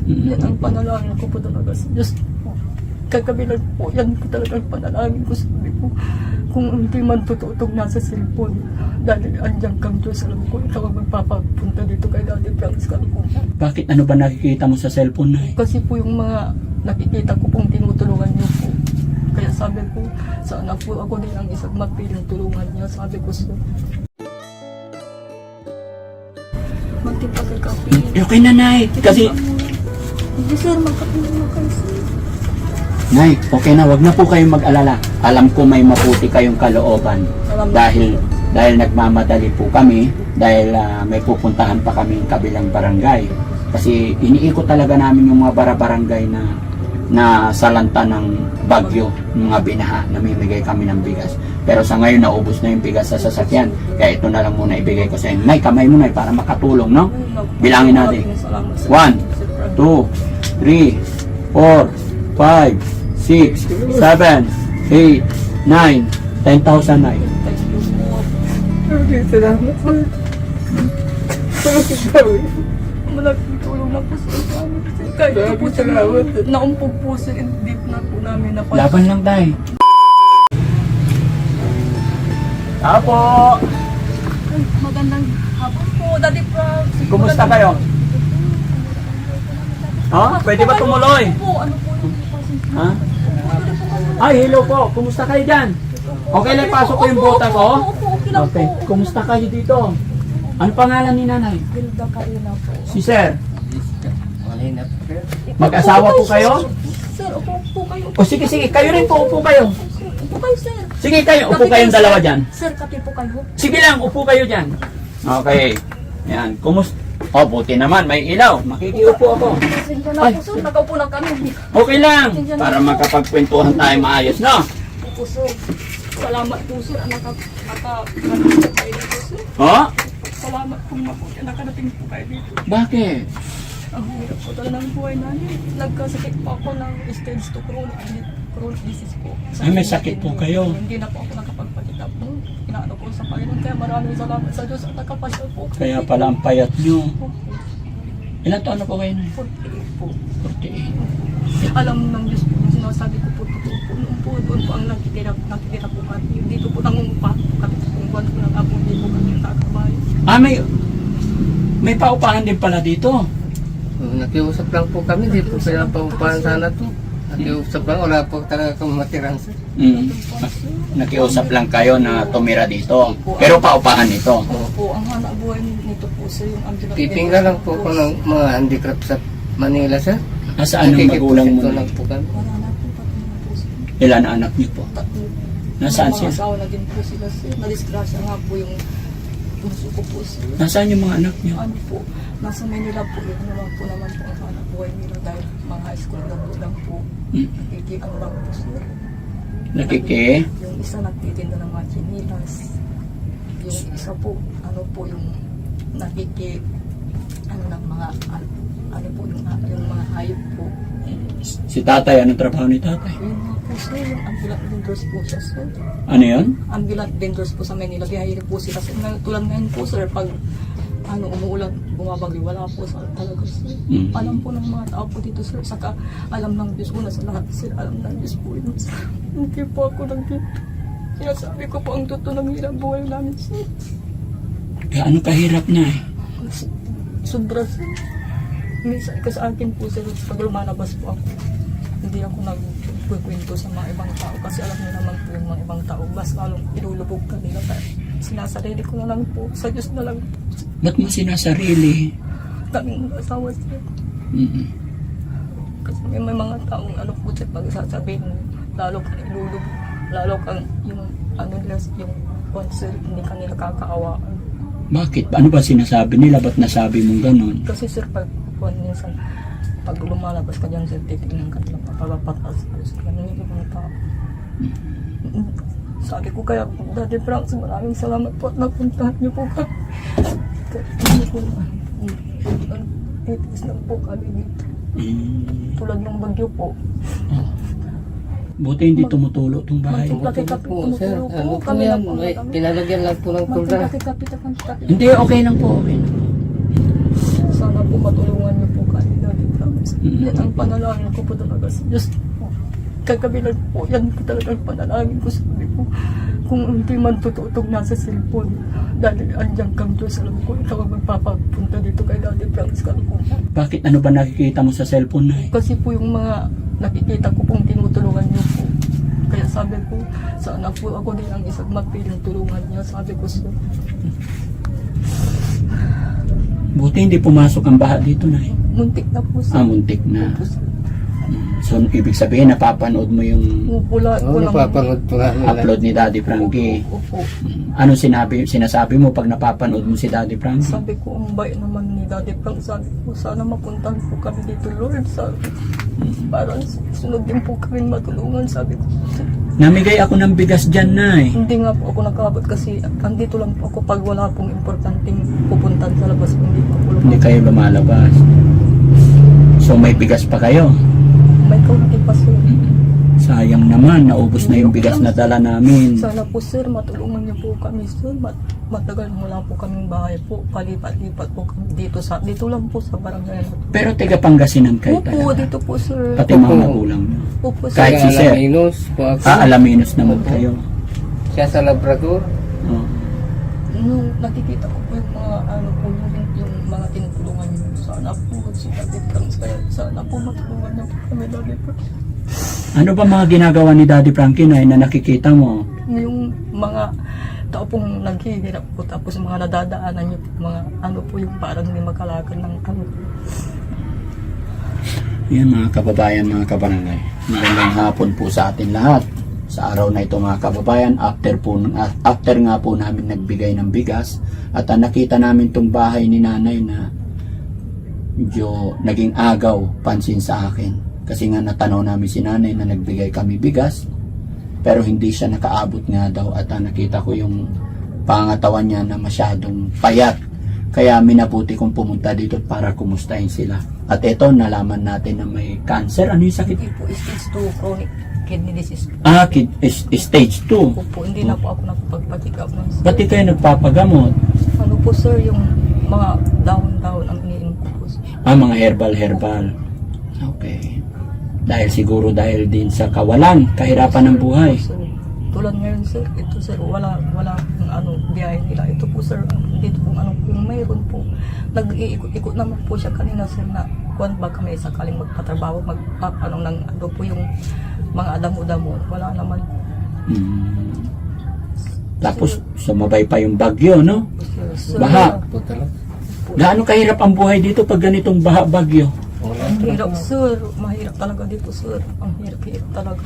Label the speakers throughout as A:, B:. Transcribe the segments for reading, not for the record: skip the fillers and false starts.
A: Yan ang panalangin ko po talaga sa Diyos po. Kagabi lang po, yan po talaga ang panalangin ko. Sabi ko, kung hindi man tututog nasa cellphone, dahil andyan kang Diyos, alam ko, ikaw ang magpapapunta dito kay Daddy Francis Calcutta.
B: Bakit? Ano ba nakikita mo sa cellphone na?
A: Kasi po yung mga nakikita ko pong tinutulungan niyo po. Kaya sabi ko, sana po ako din ang isang mapiling tulungan niya. Sabi ko, sir, magtimpag ka kape.
B: Okay na, Nay. Kasi,
A: Hindi sir, magkape na kayo sir.
B: Nay, okay na. Wag na po kayong mag-alala. Alam ko may maputi kayong kalooban. Dahil nagmamadali po kami. Dahil may pupuntahan pa kami kabilang barangay. Kasi iniikot talaga namin yung mga barangay na salanta ng bagyo, mga binaha, namimigay kami ng bigas. Pero sa ngayon, naubos na yung bigas sa sasakyan. Kaya ito na lang muna ibigay ko sa inyo. Nay, kamay mo, Nay, para makatulong, no? Bilangin natin. 1, 2, 3, 4, 5, 6, 7, 8, 9, 10,000, Nay.
A: Salamat sir. Malaking tulong na po sa amin. Kahit po sir, naumpog po sir, deep na po namin na
B: Laban lang, Tay. Apo!
A: Magandang hapon po, Daddy Frank.
B: Kumusta kayo? Ha? Pwede ba tumuloy?
A: Ano po yung
B: Ha? Ay, hello po. Kumusta kayo dyan? Okay lang, pasok ko yung bota ko?
A: Okay lang
B: Okay.
A: po.
B: Kumusta kayo dito? Ano pangalan ni nanay?
A: Gilda Karina po.
B: Si Sir. Mag-asawa po kayo?
A: Sir, upo po kayo.
B: O sige, sige. Kayo rin po. Upo kayo.
A: Upo kayo, sir.
B: Sige kayo. Upo kayong dalawa dyan.
A: Sir, kape po kayo.
B: Sige lang. Upo kayo dyan. Okay. Yan. Kumusta? Oh, buti naman. May ilaw. Makikiupo ako.
A: Pasensya na
B: Ay.
A: po, sir. Nagaupo na kami.
B: Okay lang. Para makapagkwentuhan tayo maayos, no?
A: Opo, sir. Salamat po, sir. Nakarating kayo dito, sir.
B: Oh?
A: Salamat po, mabuti. Nakarating po kayo dito.
B: Bakit?
A: Ang hirap po talaga ng buhay namin. Nagkasakit po ako ng stage 2 chronic disease po.
B: Ay, may sakit po kayo.
A: Hindi na po ako nakapagpakita po. Inaano ko sa Panginoon. Kaya maraming salamat sa Diyos at nakapasyal po.
B: Kaya pala ang payat nyo. Ilan taon na po kayo na?
A: 48 po.
B: 48.
A: Alam ng Diyos po yung sinasabi ko po. Totoo po. Noon po, doon po ang nakikita po kami. Dito po nangungpa po kami. Kung buwan po ng apo, hindi po kami nakakabay.
B: Ah, may paupahan din pala dito.
C: Nakiusap lang po kami, di po sila paupahan sana to. Nakiusap lang, wala po talaga kang matiran sir.
B: Nakiusap lang kayo na tumira dito. Pero paupahan ito.
A: Opo, ang hanap buhay nito po sir, yung ambulance.
C: Pipingga lang po ko ng mga handicraft sa Manila sir.
B: Nasaan ang magulang mo?
C: lang po kami.
A: Wala na po pati na po sir.
B: Ilan na anak niyo po?
A: Tatlo.
B: Nasaan
A: Mga
B: sila?
A: asawa na din po sila sir. Nadisgrasya nga po yung puso ko po sir.
B: Nasaan yung mga anak niyo?
A: Ano po, nasa Manila po yun naman po ang hanap buhay nila dahil mga high school lang po. Nakikiano lang po sir. Yung isa nagtitinda ng mga chinilas. Yung isa po, ano po yung ano ng mga, ano po yung mga hayop po.
B: Si tatay, anong trabaho ni tatay?
A: Yun nga po sir, yung ambulant vendors po siya sir.
B: Ano yun?
A: Ambulant vendors po sa Manila, biyahiri po sila. Sir, tulad ngayon po sir, pag umuulan, bumabagyo, wala po sa talaga sir. Alam po ng mga tao po dito sir, saka alam ng Diyos ko na sa lahat sir, alam ng Diyos po yun sir. Hindi po ako nagkita. Sinasabi ko po ang totoo ng hirap buhay namin sir.
B: Gaano kahirap na eh?
A: Sobra sir. Minsan ka sa akin po sir, pag lumalabas po ako, hindi ako nagkukwento sa mga ibang tao kasi alam niyo naman po yung mga ibang tao, mas lalong ilulubog ka nila. Sinasarili ko na lang po, sa Diyos na lang po.
B: Ba't mo sinasarili?
A: Kaming asawa siya. Kasi may mga taong ano po siya, pag sasabihin mo, lalo kang ilulubog, lalo kang yung yung concert, hindi ka nila kakaawaan.
B: Bakit? Ano ba sinasabi nila? Ba't nasabi mong ganun?
A: Kasi sir, minsan, pag lumalabas ka dyan, sir, titignan ka nila, papapatas. Ganun yung ibang tao. Sabi ko kaya, Daddy Frank, maraming salamat po at napuntahan niyo po kami. Hindi po, itis lang po kami dito. Tulad ng bagyo po.
B: Buti hindi tumutulo itong bahay.
A: Laki-kapi,
C: Po sir,
A: tumutulog po.
C: ano po
A: Kami
C: yan?
A: lang po
C: May
A: kami.
C: pinalagyan lang po ng tulda.
A: Laki-kapi.
B: Hindi, okay lang po. Okay lang.
A: Sana po matulungan niyo po kami, Daddy Frank. kami. Yan ang panalangin ko po talaga sa Diyos po. Kagabi lang po, yan po talaga ang panalangin ko. Sabi ko, kung hindi man tututog na sa cellphone, dahil andyan kang Diyos, alam ko, ikaw ang magpapapunta dito kay Daddy Franz Calcuna.
B: Bakit ano ba nakikita mo sa cellphone na?
A: Kasi po yung mga nakikita ko pong tinutulungan niyo po. Kaya sabi ko, sana po ako din ang isang magpiling tulungan niya. Sabi ko, sir,
B: Buti hindi pumasok ang baha dito na.
A: muntik na po, sir.
B: Muntik na.
A: Opo, sir.
B: So, ibig sabihin, napapanood mo yung
A: Pupula ko lang.
C: Napapanood po nga nila.
B: upload ni Daddy Frankie.
A: Opo.
B: Ano sinasabi mo pag napapanood mo si Daddy Frankie?
A: Sabi ko, ang bait naman ni Daddy Frank. Sabi ko, sana mapuntahan po kami dito, Lord. Sabi ko, para sunod din po kami matulungan. Sabi ko,
B: Namigay ako ng bigas dyan na
A: hindi nga po ako nakabot kasi andito lang po ako pag wala pong importanteng pupuntahan sa labas. Hindi po ako
B: Hindi
A: lumabas.
B: kayo lumalabas. So, may bigas pa kayo.
A: May kaunti pa, sir.
B: Sayang naman, naubos na yung bigas na dala namin.
A: Sana po, sir, matulungan niyo po kami, sir. Matagal wala po kaming bahay po. Palipat-lipat po kami dito lang po sa barangay.
B: Pero taga Pangasinan kayo
A: Opo,
B: talaga.
A: dito po, sir.
B: Pati mga magulang nyo.
A: Opo, sir.
B: Kahit si Sir.
C: Alaminos po ako.
B: Alaminos naman
C: Opo.
B: kayo.
C: Siya sa Labrador.
B: Oh.
A: Nung nakikita ko po yung mga yung mga tinutulungan niyo, sana po si Daddy Frank, kaya sana po matulungan niyo po kami, Daddy Frank.
B: Ano ba mga ginagawa ni Daddy Frankie na nakikita mo?
A: Yung mga tao pong naghihirap po, tapos mga nadadaanan niyo po, mga ano po yung parang may makalakan ng ano.
B: Yan mga kababayan, mga kabarangay. Magandang hapon po sa atin lahat. Sa araw na ito mga kababayan, after nga po namin nagbigay ng bigas at nakita namin tong bahay ni nanay na medyo naging agaw pansin sa akin. Kasi nga natanaw namin si nanay na nagbigay kami bigas pero hindi siya nakaabot nga daw at nakita ko yung pangatawan niya na masyadong payat. Kaya minabuti kong pumunta dito para kumustahin sila. At ito, nalaman natin na may cancer. Ano yung sakit?
A: Hindi po, stage 2 chronic kidney disease po.
B: Stage 2.
A: Po, hindi na po ako nakapagpatik up ng sir.
B: Ba't di kayo nagpapagamot?
A: Ano po, sir, yung mga dahon-dahon ang iniinom ko po, sir.
B: Mga herbal. Okay. Dahil din sa kawalan, kahirapan ng buhay.
A: Sir, tulad ngayon, sir, ito, sir, wala ng biyahe nila. Ito po, sir, dito po, kung mayroon po, nag-iikot-ikot naman po siya kanina, sir, na kung ba kami sakaling magpatrabaho, po yung mga damo-damo, wala naman.
B: Tapos sumabay pa yung bagyo, no?
A: Sir,
B: Baha.
C: Po talaga.
B: Gaano kahirap ang buhay dito pag ganitong baha-bagyo?
C: Wala
A: Ang
C: talaga.
A: hirap, sir. Mahirap talaga dito, sir. Ang hirap talaga.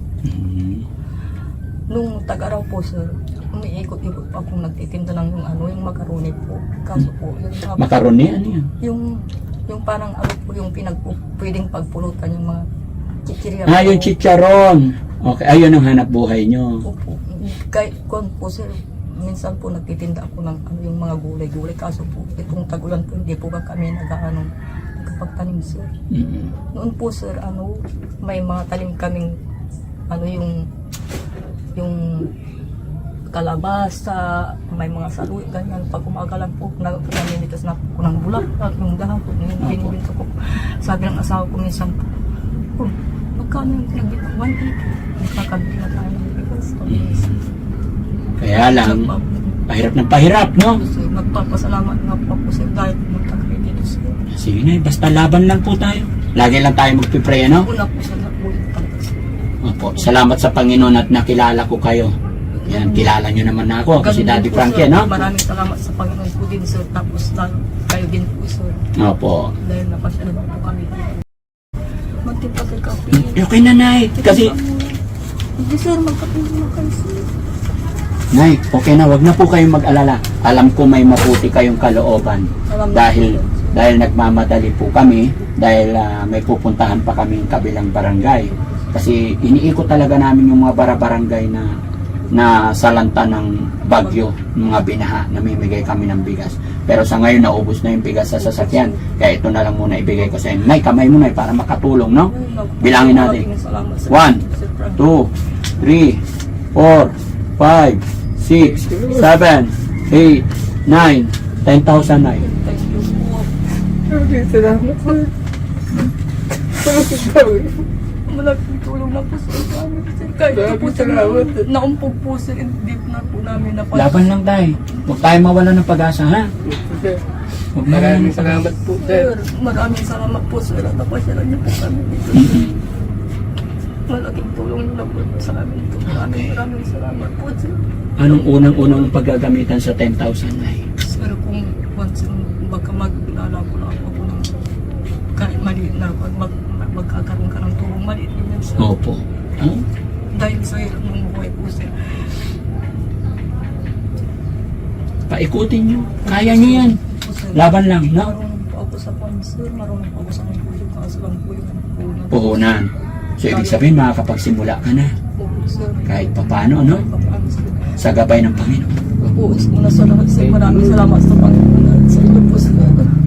A: Nung taga-araw po, sir, umiikot-ikot pa akong nagtitinda ng yung macaroni po. Kaso po,
B: Makaroni, ano yan?
A: yung parang po yung pwedeng pagpulutan yung mga chichirya.
B: Yung chicharon. Okay, ayun ang hanap buhay nyo.
A: Opo. Kahit kon po, sir, minsan po nagtitinda ako ng yung mga gulay-gulay. Kaso po, itong tagulan po, hindi po kami nagkapagtanim, sir. Noon po, sir, may mga tanim kaming yung kalabasa, may mga saluy, ganyan. Pag umagalan po, namimitas na po ng bulak, yung dahon po, yung binibinto ko. Sabi ng asawa ko minsan po, magkano yung nagbita? 180. Magkakabili na tayo ng bigas.
B: Kaya lang, pahirap ng pahirap, no?
A: Kasi magpapasalamat nga po ako, sir, dahil pumunta kami dito, sir.
B: Sige na, basta laban lang po tayo. Lagi lang tayo magpipray, no?
A: Una po siya nakulit talaga, sir.
B: Opo, salamat sa Panginoon at nakilala ko kayo. Yan, kilala nyo naman ako kasi
A: Ganun
B: Daddy
A: din po,
B: Frankie,
A: sir.
B: no?
A: Maraming salamat sa Panginoon po din, sir. Tapos lalo kayo din po, sir.
B: Opo.
A: Dahil napasyalan po kami dito. Magtipa sir kape.
B: Okay na, Nay. Kasi,
A: Hindi, sir. Magkape na kayo, sir.
B: Nay, okay na. Wag na po kayong mag-alala. Alam ko may maputi kayong kalooban. Dahil nagmamadali po kami, dahil may pupuntahan pa kaming kabilang barangay. Kasi iniikot talaga namin yung mga barangay na salanta ng bagyo, mga binaha, namimigay kami ng bigas. Pero sa ngayon, naubos na yung bigas sa sasakyan. Kaya ito na lang muna ibigay ko sa inyo. Nay, kamay mo, Nay, para makatulong, no? Bilangin natin. 1, 2, 3, 4, 5, 6, 7, 8, 9, 10,000, Nay.
A: Thank you po.
C: Salamat, sir.
A: Malaking tulong na po sir sa amin. Sir, kahit na po sir, naumpog po sir, hindi na po namin napag...
B: Laban lang tayo. Huwag tayo mawala ng pag-asa, ha?
C: Sir,
B: Huwag mawala
C: maraming
B: ng pag-asa.
C: salamat po, sir.
A: Sir, maraming salamat po sir at napasyalan niyo po kami dito. Malaking tulong niyo na po sa amin ito. Maraming salamat po sir.
B: Anong unang-unang paggagamitan sa 10,000 na
A: Sir, kung once baka maglalako na ako ng kahit maliit na magkakaroon ka ng tulong maliit din sir.
B: Opo. Oh?
A: Dahil sa hirap ng buhay po sir.
B: Paikutin nyo. Kaya nyo yan.
A: Po, sir.
B: Laban lang, no?
A: Marunong po ako sa sir. Marunong po ako sa mga puso. Kaso lang po yung puno.
B: Puhunan. So, ibig sabihin, makakapagsimula ka na.
A: Opo, sir.
B: Kahit papano, no?
A: Papaano, sir.
B: Sa gabay ng Panginoon.
A: Opo, una sa lahat sir. Maraming salamat sa Panginoon at sa inyo po sir.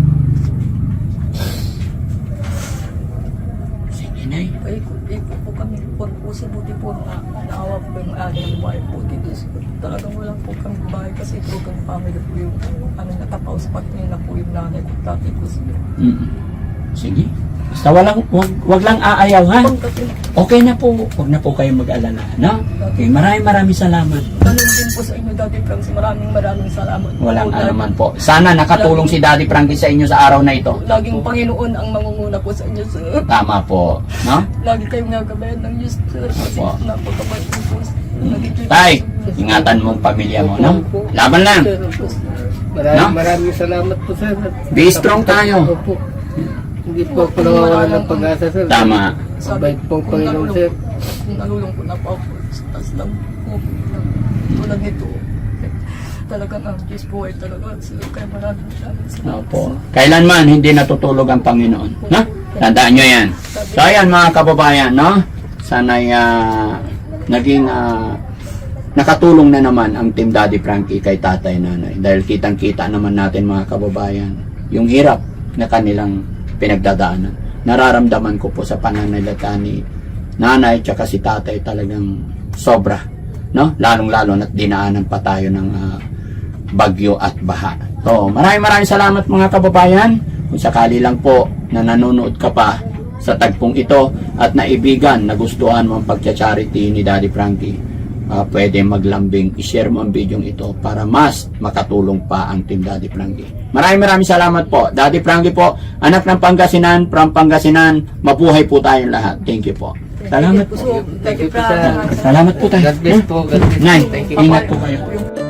B: Sige, Nay.
A: Ikot po kami po sa buti po na naawa po yung aking bahay po dito. Talagang wala po kami bahay kasi broken family po yung natapaw sa pagtingin na po yung nanay ko dati po sir.
B: Sige. Basta wag lang aayaw, ha?
A: Pagkasin,
B: Okay na po. Huwag na po kayong mag-alala, no? Okay, maraming salamat.
A: ganun din po sa inyo Daddy Francis. Maraming salamat.
B: Walang
A: Po,
B: alaman po. Sana nakatulong si Daddy Frankie sa inyo sa araw na ito.
A: Laging Panginoon ang mangunguna po sa inyo sir.
B: Tama po, no?
A: Lagi kayong nagabayan ng Diyos sir. Kasi
B: Opo.
A: napakabait niyo po.
B: Tay, ingatan mo ang pamilya mo, no? Laban lang.
C: Sir, opo. Maraming salamat po, sir.
B: Be strong tayo.
C: Opo. Hindi po ako nawawalan ng pag-asa, sir.
B: Tama.
C: Mabait po ang Panginoon, sir.
A: Kung nalulong ko na po ako, tas lang po. Tulad nito. Talagang ang Diyos po ay talaga. Sir, kaya maraming salamat.
B: Opo. Kailanman hindi natutulog ang Panginoon, no? Tandaan nyo yan. So ayan mga kababayan, no? Sana'y naging nakatulong na naman ang Team Daddy Frankie kay tatay nanay. Dahil kitang-kita naman natin mga kababayan, yung hirap na kanilang pinagdadaanan. Nararamdaman ko po sa pananalita ni nanay tsaka si tatay talagang sobra, no? Lalong-lalo na't dinaanan pa tayo ng bagyo at baha. So, maraming salamat mga kababayan. Kung sakali lang po na nanonood ka pa sa tagpong ito at naibigan, nagustuhan mo ang pagcha-charity ni Daddy Frankie, pwede maglambing, i-share mo ang video ito para mas makatulong pa ang Team Daddy Frankie. Maraming salamat po. Daddy Frankie po, anak ng Pangasinan, from Pangasinan, mabuhay po tayong lahat. Thank you po. Salamat po.
A: Thank you,
C: Thank you, sir.
A: Francis.
B: Salamat po tayo.
C: God bless po. God bless.
B: Nay,
C: Thank you.
B: ingat po kayo.
A: Yung